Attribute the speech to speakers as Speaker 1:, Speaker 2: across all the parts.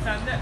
Speaker 1: sende.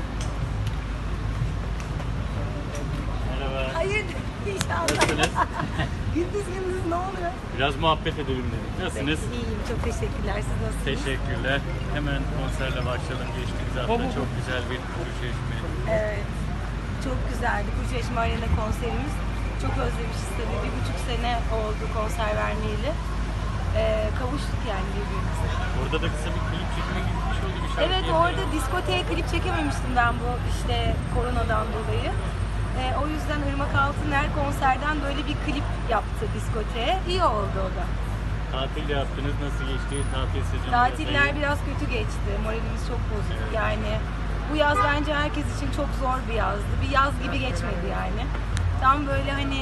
Speaker 2: Merhaba.
Speaker 3: Hayır inşallah.
Speaker 2: Nasılsınız?
Speaker 3: gündüz ne oluyor?
Speaker 2: Biraz muhabbet edelim dedik. Nasılsınız?
Speaker 3: İyiyim, çok teşekkürler. Siz nasılsınız?
Speaker 2: Teşekkürler. Hemen konserle başlayalım. Geçtiğimiz hafta çok güzel bir Kuşeşme.
Speaker 3: Evet, çok güzeldi. Kuşeşme Arena konserimiz. Çok özlemişiz tabii. 1,5 sene oldu konser vermeyeli. Kavuştuk yani birbirimize.
Speaker 2: Orada da kısa bir klip çekime gitmiş oldu bir şarkı.
Speaker 3: Evet, orada diskoteye klip çekememiştim ben bu işte koronadan dolayı. O yüzden Irmak Altıner konserden böyle bir klip yaptı diskoteye. İyi oldu o da.
Speaker 2: Tatil yaptınız. Nasıl geçti? Tatil sezonu.
Speaker 3: Tatiller biraz kötü geçti. Moralimiz çok bozuk.
Speaker 2: Evet.
Speaker 3: Yani bu yaz bence herkes için çok zor bir yazdı. Bir yaz gibi geçmedi yani. Tam böyle hani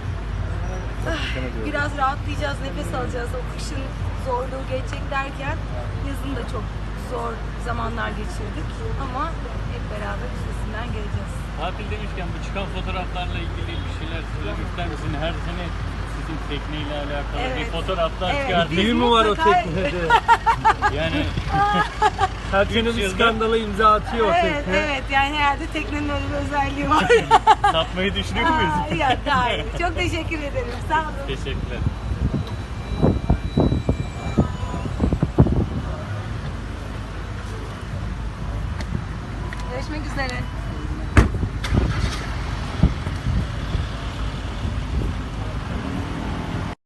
Speaker 3: biraz rahatlayacağız, nefes alacağız. O kışın zorluğu geçecek derken yazın da çok zor zamanlar geçirdik. Ama hep beraber üstesinden geleceğiz.
Speaker 2: Tatil demişken bu çıkan fotoğraflarla ilgili bir şeyler söylemek ister misin? Her sene sizin tekneyle alakalı bir
Speaker 3: Evet.
Speaker 2: fotoğraflar
Speaker 3: Evet,
Speaker 2: çıkartıyor.
Speaker 3: biz
Speaker 4: Düğün mü var o
Speaker 3: mutlaka-
Speaker 4: teknede?
Speaker 2: Yani
Speaker 4: Her sene
Speaker 2: Üç
Speaker 4: bir
Speaker 2: yılda-
Speaker 4: skandala imza atıyor o
Speaker 3: Evet,
Speaker 4: tekne.
Speaker 3: evet. Yani herhalde teknenin öyle bir özelliği var.
Speaker 2: satmayı düşünüyor muyuz?
Speaker 3: Yok, hayır. Çok teşekkür ederim. Sağ olun.
Speaker 2: Teşekkürler.
Speaker 3: Görüşmek üzere.